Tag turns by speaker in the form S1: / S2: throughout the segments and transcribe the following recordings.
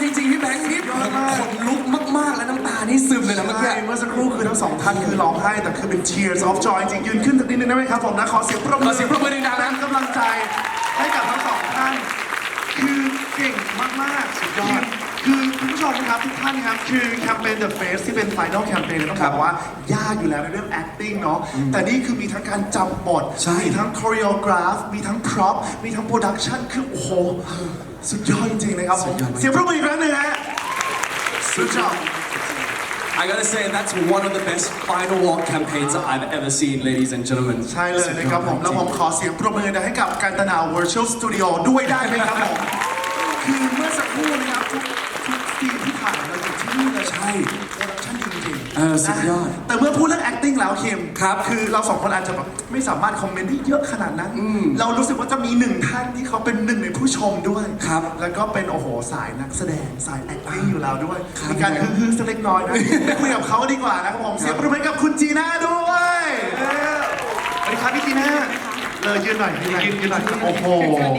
S1: จริงๆพี่แบงค์นี่ขนลุกมากๆแล้วน้ำตานี่ซึมเลยนะเมื่อกี้
S2: เมื่อสักครู่คือทั้งสองท่านคือร้องไห้แต่คือเป็น tears of joy จริงยืนขึ้นสักนิดนึงได้ไหมครับผมนะขอเสียงปรบมือ
S1: ดังๆนะ
S2: กำลังใจให้กับทั้งสองท่านคือเก่งมากๆสุดยอดคือคุณผู้ชมครับทุกท่านครับคือแคมเปญ The Face ที่เป็น Final Campaign ต้องบอกว่ายากอยู่แล้วในเรื่อง acting เนาะแต่นี่คือมีทั้งการจำบทมีทั้ง choreograph มีทั้ง prop มีทั้ง production คือโอ้โหสุดยอดจริงๆนะครับผมเสียงปรบมืออีกครั้งหนึ่งฮะสุดยอด
S1: I gotta say that's one of the best final walk campaigns I've ever seen, ladies and gentlemen.
S2: ใช่เลยนะครับผมแล้วผมขอเสียงปรบมือให้กับการตนา Virtual Studio ด้วยได้ไหมครับผมคือเมื่อสักครู่นะครับทุกซีนที่ถ่ายเราอยู่ที่นี่เลยใช่โปรดักชั่นดีจริง
S1: สุดยอด
S2: แต่เมื่อพูดเรื่อง acting แล้วคิม
S1: ครับ
S2: คือเราสองคนอาจจะแบบไม่สามารถคอมเมนต์ได้เยอะขนาดนั้นเรารู้สึกว่าจะมีหนึ่งท่านที่เขาเป็นหนึ่งในผู้ชมด้วย
S1: ครับ
S2: แล้วก็เป็นโอ้โหสายนักแสดงสาย acting อยู่แล้วด้วยมีการฮึ่งๆสักเล็กน้อยนะไปคุยกับเขาดีกว่านะครับผมเสียงปรบมือกับคุณจีน่าด้วยสวัสดีครับพี่จีน่าเลยยืนหน่อยยืนหน่อยโอ้โห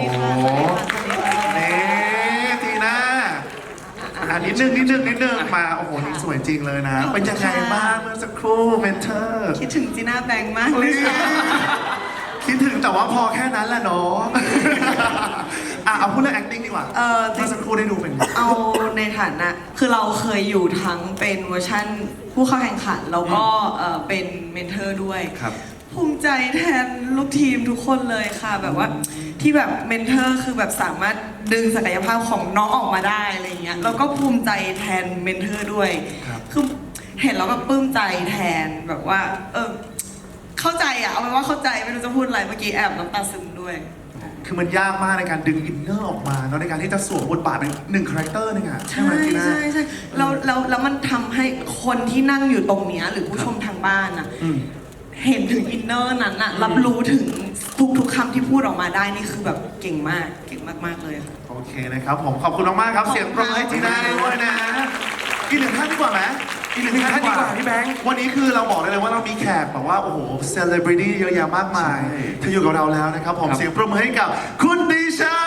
S2: นี่จีน่านิดนึงมาโอ้โหนี่สวยจริงเลยนะเป็นยังไงบ้างเมื่อสักครู่เมนเทอร์
S3: คิดถึงจีน่าแบงค์มากเลย
S2: คิดถึงแต่ว่าพอแค่นั้นแหละเนาะเอาพูดเรื่อง acting ดีกว่าเมื่อสักครู่ได้ดูเป็น
S3: เอาในฐานะคือเราเคยอยู่ทั้งเป็นเวอร์ชั่นผู้เข้าแข่งขันแล้วก็เป็นเมนเทอร์ด้วยภูมิใจแทนลูกทีมทุกคนเลยค่ะแบบว่าที่แบบเมนเทอร์คือแบบสามารถดึงศักยภาพของน้องออกมาได้อะไรเงี้ยแล้วก็ภูมิใจแทนเมนเทอร์ด้วยคือเห็นแล้วแบบปลื้มใจแทนแบบว่าเข้าใจอะเอาเป็นว่าเข้าใจไม่รู้จะพูดอะไรเมื่อกี้แอบน้ำตาซึมด้วย
S2: คือมันยากมากในการดึงอินเนอร์ออกมาเนาะในการที่จะสวมบทบาทเป็นหนึ่งคาแรคเตอร์นึงอะ
S3: ใช่แล้วมันทำให้คนที่นั่งอยู่ตรงเนี้ยหรือผู้ชมทางบ้านอะเห็นถึงอินเนอร์นั้นอะรับรู้ถึงทุกคำที่พูดออกมาได้นี่คือแบบเก่งมากเลยค่ะ
S2: โอเคนะครับผมขอบคุณมากๆครับเสียงปรบมือให้จีน่าด้วยนะอีกหนึ่งท่านดีกว่าไหมอีกหนึ่งท่านดีกว่า
S1: พี่แบงค์
S2: วันนี้คือเราบอกได้เลยว่าเรามีแขกแบบว่าโอ้โหเซเลบริตี้เยอะแยะมากมายที่อยู่กับเราแล้วนะครับผมเสียงปรบมือให้กับคุณดิชา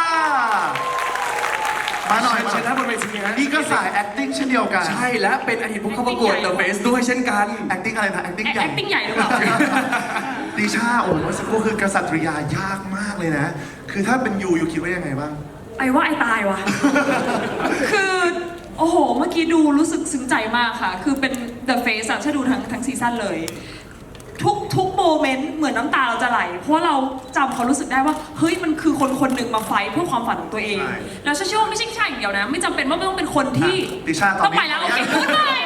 S2: มาหน่อย
S1: เชิญนะบนเวทีฮะ
S2: นี่ก็สาย acting เช่นเดียวกัน
S1: ใช่และเป็นอดีตผู้เข้าประกวด The Face ด้วยเช่นกัน
S2: acting อะไรนะ acting ใหญ่
S4: acting ใหญ่หรือเปล่า
S2: ดิชาโอ้โหสักครู่คือกษัตริยายากมากเลยนะคือถ้าเป็นยูคิดว่ายังไงบ้าง
S4: ไอ้ว่าไอ้ตายว่ะคือโอ้โหเมื่อกี้ดูรู้สึกซึ้งใจมากค่ะคือเป็น The Face อะถ้าดูทั้งซีซั่นเลยทุกโมเมนต์เหมือนน้ำตาเราจะไหลเพราะเราจำเขารู้สึกได้ว่าเฮ้ยมันคือคนหนึ่งมาไฟท์เพื่อความฝันของตัวเองแล้วเชื่อว่าไม่ใช่อย่างเดียวนะไม่จำเป็นว่าไม่ต้องเป็นคนที่
S2: ดิชา
S4: ต้องไปแล้วโอเคไม่